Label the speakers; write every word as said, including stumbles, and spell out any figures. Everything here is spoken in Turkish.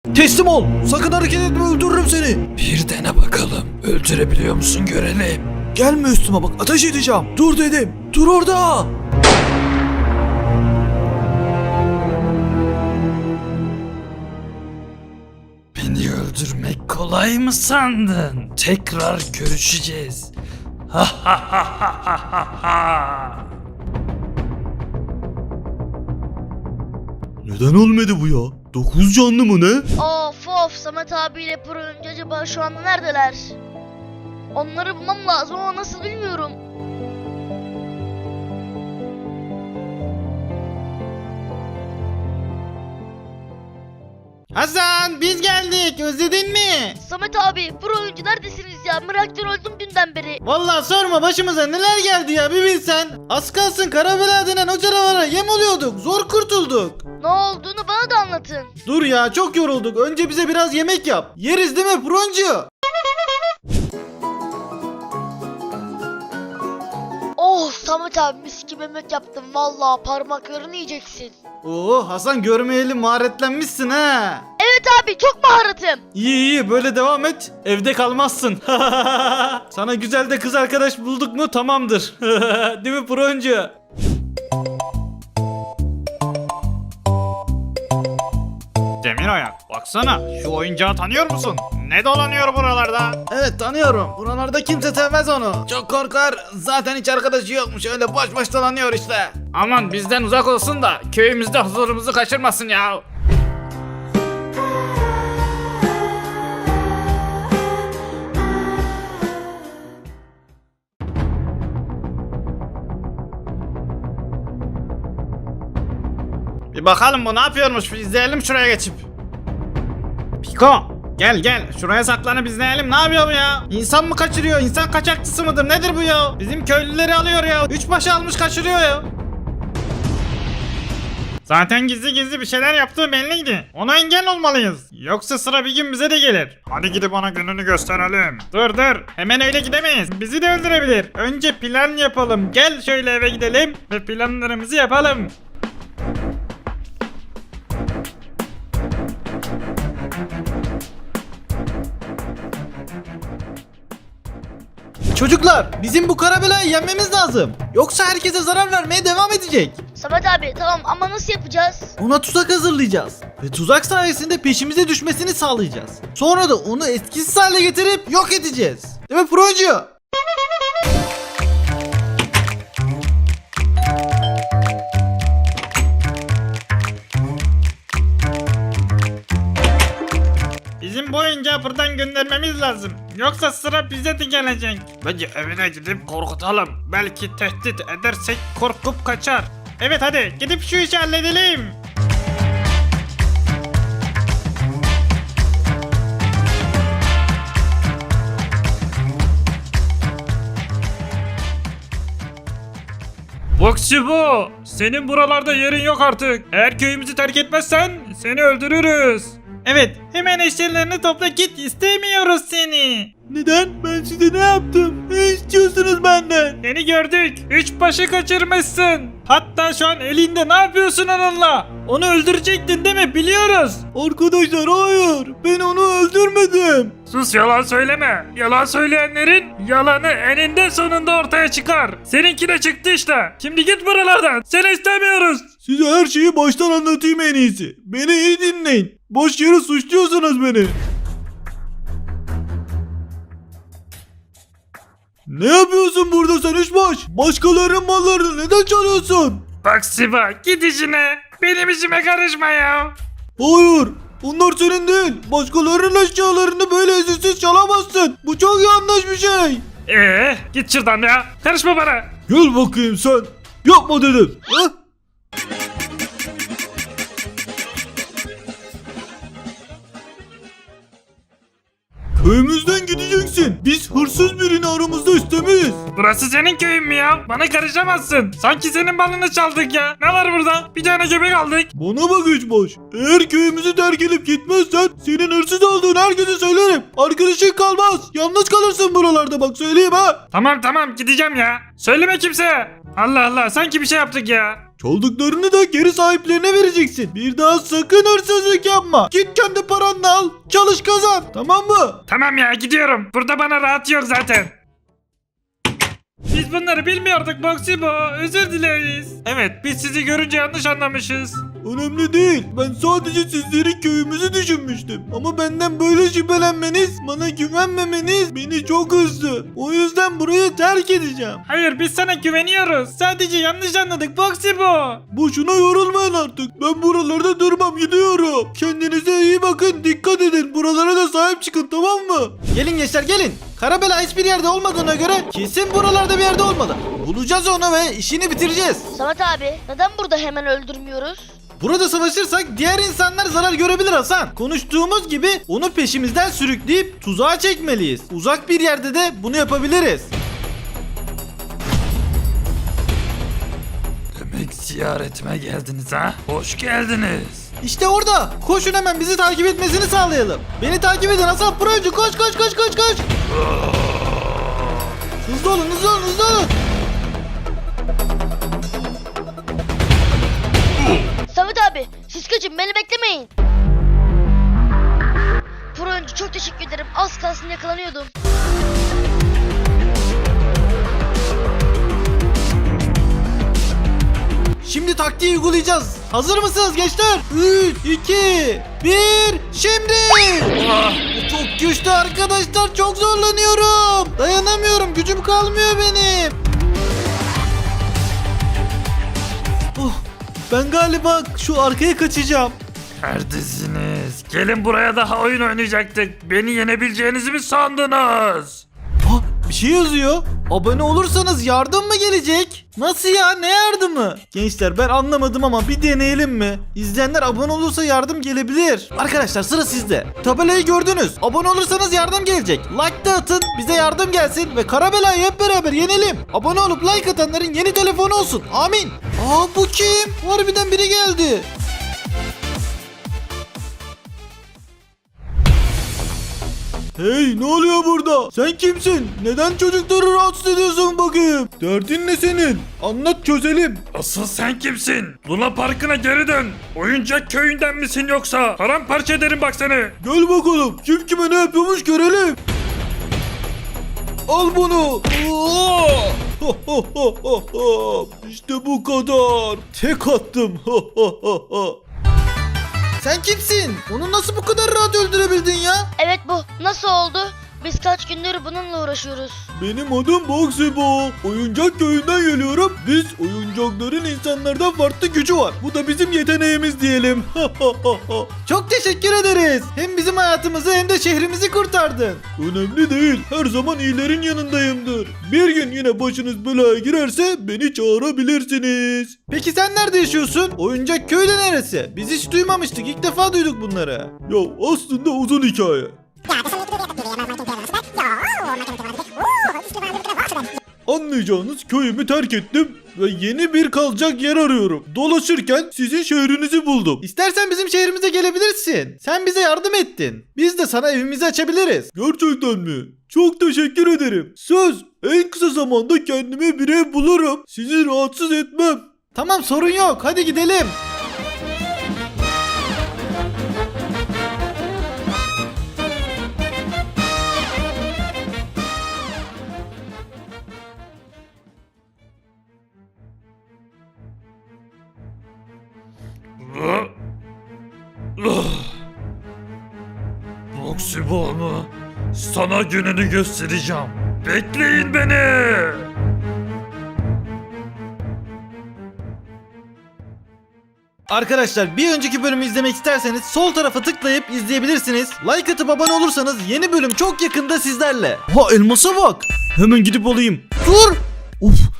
Speaker 1: Teslim ol. Sakın hareket etme, öldürürüm seni.
Speaker 2: Bir dene bakalım. Öldürebiliyor musun görelim.
Speaker 1: Gelme üstüme bak, ateş edeceğim. Dur dedim. Dur orada.
Speaker 2: Beni öldürmek kolay mı sandın? Tekrar görüşeceğiz. Ha ha ha ha ha ha.
Speaker 1: Neden olmadı bu ya? Dokuz canlı mı ne?
Speaker 3: Of of, Samet abiyle Pro oyuncu acaba şu anda neredeler? Onları bulmam lazım ama nasıl bilmiyorum.
Speaker 4: Hasan, biz geldik, özledin mi?
Speaker 3: Samet abi, Pro oyuncu neredesiniz ya? Meraktan öldüm dünden beri.
Speaker 4: Vallahi sorma, başımıza neler geldi ya, bir bilsen. Az kalsın Karabela denen o canavara yem oluyorduk, zor kurtulduk.
Speaker 3: Ne olduğunu bana da anlatın.
Speaker 4: Dur ya, çok yorulduk, önce bize biraz yemek yap. Yeriz değil mi Proncu?
Speaker 3: Oh Samet abi, mis gibi yemek yaptım. Vallahi parmaklarını yiyeceksin.
Speaker 4: Oo Hasan, görmeyeli maharetlenmişsin ha.
Speaker 3: Evet abi, çok maharatım.
Speaker 4: İyi iyi, böyle devam et, evde kalmazsın. Sana güzel de kız arkadaş bulduk mu tamamdır. Değil mi Proncu?
Speaker 5: Demir ayak, baksana şu oyuncağı tanıyor musun? Ne dolanıyor buralarda?
Speaker 4: Evet, tanıyorum. Buralarda kimse sevmez onu. Çok korkar. Zaten hiç arkadaşı yokmuş. Öyle boş boş dolanıyor işte.
Speaker 5: Aman bizden uzak olsun da köyümüzde huzurumuzu kaçırmasın ya. Bir bakalım bu ne yapıyormuş, bir izleyelim şuraya geçip. Piko, gel gel şuraya saklanıp izleyelim, ne yapıyor bu ya? İnsan mı kaçırıyor, insan kaçakçısı mıdır, nedir bu ya? Bizim köylüleri alıyor ya, üç başı almış kaçırıyor ya. Zaten gizli gizli bir şeyler yaptığı belliydi. Ona engel olmalıyız. Yoksa sıra bir gün bize de gelir. Hadi gidip ona gününü gösterelim. Dur dur. Hemen öyle gidemeyiz. Bizi de öldürebilir. Önce plan yapalım. Gel şöyle eve gidelim ve planlarımızı yapalım.
Speaker 4: Çocuklar, bizim bu Karabela'yı yenmemiz lazım. Yoksa herkese zarar vermeye devam edecek.
Speaker 3: Samet abi tamam ama nasıl yapacağız?
Speaker 4: Ona tuzak hazırlayacağız. Ve tuzak sayesinde peşimize düşmesini sağlayacağız. Sonra da onu etkisiz hale getirip yok edeceğiz. Değil mi Proncu?
Speaker 5: Bizim bu oyuncağı buradan göndermemiz lazım. Yoksa sıra bize de gelecek. Bence evine gidip korkutalım. Belki tehdit edersek korkup kaçar. Evet hadi gidip şu işi halledelim. Boksçu, senin buralarda yerin yok artık. Eğer köyümüzü terk etmezsen seni öldürürüz. Evet, hemen eşyalarını topla git, istemiyoruz seni.
Speaker 4: Neden? Ben size ne yaptım? Ne istiyorsunuz benden?
Speaker 5: Seni gördük, üç başı kaçırmışsın. Hatta şu an elinde, ne yapıyorsun onunla? Onu öldürecektin değil mi? Biliyoruz.
Speaker 4: Arkadaşlar hayır. Ben onu öldürmedim.
Speaker 5: Sus, yalan söyleme. Yalan söyleyenlerin yalanı eninde sonunda ortaya çıkar. Seninki de çıktı işte. Şimdi git buralardan. Seni istemiyoruz.
Speaker 4: Size her şeyi baştan anlatayım en iyisi. Beni iyi dinleyin. Boş yere suçluyorsunuz beni. Ne yapıyorsun burada sen üçbaş? Başkalarının mallarını neden çalıyorsun?
Speaker 5: Bak Siva, git işine. Benim işime karışma ya.
Speaker 4: Hayır. Bunlar senin değil. Başkalarının eşyalarını böyle izinsiz çalamazsın. Bu çok yanlış bir şey.
Speaker 5: Ee, git şuradan ya. Karışma bana.
Speaker 4: Gel bakayım sen. Yapma dedim. Heh? Köyümüzden gideceksin. Biz hırsız birini aramızda istemeyiz.
Speaker 5: Burası senin köyün mü ya? Bana karışamazsın. Sanki senin balını çaldık ya. Ne var burada? Bir tane göbek aldık.
Speaker 4: Bana bak üçbaş. Eğer köyümüzü terk edip gitmezsen senin hırsız olduğunu herkese söylerim. Arkadaşın kalmaz. Yalnız kalırsın buralarda, bak söyleyeyim ha.
Speaker 5: Tamam tamam, gideceğim ya. Söyleme kimseye. Allah Allah, sanki bir şey yaptık ya.
Speaker 4: Çaldıklarını da geri sahiplerine vereceksin. Bir daha sakın hırsızlık yapma. Git kendi paranla al. Çalış kazan. Tamam mı?
Speaker 5: Tamam ya gidiyorum. Burada bana rahat yok zaten. Biz bunları bilmiyorduk Boksibo. Özür dileriz. Evet biz sizi görünce yanlış anlamışız.
Speaker 4: Önemli değil. Ben sadece sizleri köyümüzü düşünmüştüm. Ama benden böyle şüphelenmeniz, bana güvenmemeniz beni çok üzdü. O yüzden burayı terk edeceğim.
Speaker 5: Hayır biz sana güveniyoruz. Sadece yanlış anladık Boksibo.
Speaker 4: Boşuna yorulmayın artık. Ben buralarda durmam, gidiyorum. Kendinize iyi bakın, dikkat edin. Buralara da sahip çıkın, tamam mı? Gelin gençler gelin. Karabela hiçbir yerde olmadığına göre kesin buralarda bir yerde olmalı. Bulacağız onu ve işini bitireceğiz.
Speaker 3: Samet abi neden burada hemen öldürmüyoruz?
Speaker 4: Burada savaşırsak diğer insanlar zarar görebilir Hasan. Konuştuğumuz gibi onu peşimizden sürükleyip tuzağa çekmeliyiz. Uzak bir yerde de bunu yapabiliriz.
Speaker 2: Demek ziyaretime geldiniz ha? Hoş geldiniz.
Speaker 4: İşte orada. Koşun hemen bizi takip etmesini sağlayalım. Beni takip edin Hasan Procu. Koş koş koş koş koş. Hızlı olun hızlı olun hızlı olun.
Speaker 3: Samet abi siz kaçın beni beklemeyin. Pro oyuncu çok teşekkür ederim. Az kalsın yakalanıyordum.
Speaker 4: Şimdi taktiği uygulayacağız. Hazır mısınız gençler? üç, iki, bir, şimdi. Ah, bu çok güçlü arkadaşlar. Çok zorlanıyorum. Dayanamıyorum. Gücüm kalmıyor benim. Oh, ben galiba şu arkaya kaçacağım.
Speaker 2: Neredesiniz? Gelin buraya, daha oyun oynayacaktık. Beni yenebileceğinizi mi sandınız?
Speaker 4: Ah, bir şey yazıyor. Abone olursanız yardım mı gelecek? Nasıl ya? Ne yardımı? Gençler ben anlamadım ama bir deneyelim mi? İzleyenler abone olursa yardım gelebilir. Arkadaşlar sıra sizde. Tabelayı gördünüz. Abone olursanız yardım gelecek. Like da atın. Bize yardım gelsin ve Karabela'yı hep beraber yenelim. Abone olup like atanların yeni telefonu olsun. Amin. Aa bu kim? Harbiden biri geldi. Hey ne oluyor burada? Sen kimsin? Neden çocukları rahatsız ediyorsun bakayım? Derdin ne senin? Anlat çözelim.
Speaker 2: Asıl sen kimsin? Luna Parkı'na geri dön. Oyuncak köyünden misin yoksa? Paramparça ederim bak seni.
Speaker 4: Gel bakalım. Kim kime ne yapıyormuş görelim. Al bunu. Oo! Ho, ho, ho, ho, ho. İşte bu kadar. Tek attım. Ho, ho, ho, ho. Sen kimsin? Onu nasıl bu kadar rahat öldürebildin ya?
Speaker 3: Evet bu. Nasıl oldu? Biz kaç gündür bununla uğraşıyoruz.
Speaker 4: Benim adım Boksibo. Oyuncak köyünden geliyorum. Biz oyuncakların insanlardan farklı gücü var. Bu da bizim yeteneğimiz diyelim. Çok teşekkür ederiz. Hem bizim hayatımızı hem de şehrimizi kurtardın. Önemli değil. Her zaman iyilerin yanındayımdır. Bir gün yine başınız belaya girerse beni çağırabilirsiniz. Peki sen nerede yaşıyorsun? Oyuncak köyü de neresi? Biz hiç duymamıştık. İlk defa duyduk bunları. Ya aslında uzun hikaye. Anlayacağınız köyümü terk ettim ve yeni bir kalacak yer arıyorum. Dolaşırken sizin şehrinizi buldum. İstersen bizim şehrimize gelebilirsin. Sen bize yardım ettin. Biz de sana evimizi açabiliriz. Gerçekten mi? Çok teşekkür ederim. Söz, en kısa zamanda kendime bir ev bulurum. Sizi rahatsız etmem. Tamam sorun yok. Hadi gidelim.
Speaker 2: Boksibo mu? Sana gününü göstereceğim. Bekleyin beni.
Speaker 4: Arkadaşlar bir önceki bölümü izlemek isterseniz sol tarafa tıklayıp izleyebilirsiniz. Like atıp abone olursanız yeni bölüm çok yakında sizlerle. Ha elmasa bak. Hemen gidip alayım. Dur. Uf